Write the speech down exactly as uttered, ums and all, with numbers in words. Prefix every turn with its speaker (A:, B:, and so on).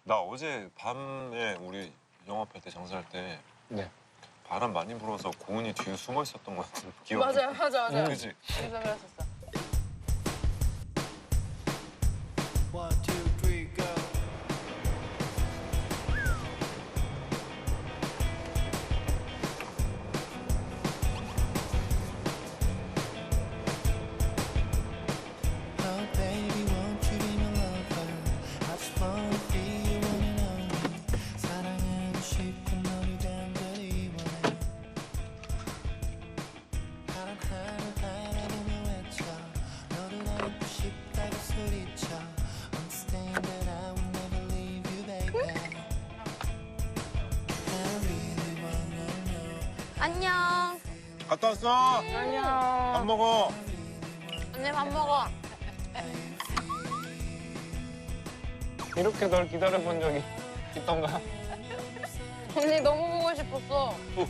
A: 나 어제 밤에 우리 영업할 때 장사할 때
B: 네.
A: 바람 많이 불어서 고은이 뒤에 숨어 있었던 것 같은 기억이.
C: 맞아요, 맞아, 맞아.
A: 그지?
C: 그래서 그랬었어.
D: One, two, three, go. Oh baby, won't you be my lover? I just wanna be your one and only. 사랑하고 싶고 너를 간절히 원해. 바람 하늘 바라보며 외쳐. 너를 안고 싶다고 소리쳐. Understand that I will never leave you, baby. I really wanna know.
C: 안녕.
A: 갔다 왔어.
C: 안녕.
A: 밥 먹어.
C: 언니 밥 먹어.
B: 이렇게 널 기다려본 적이 있던가?
C: 언니 너무 보고 싶었어.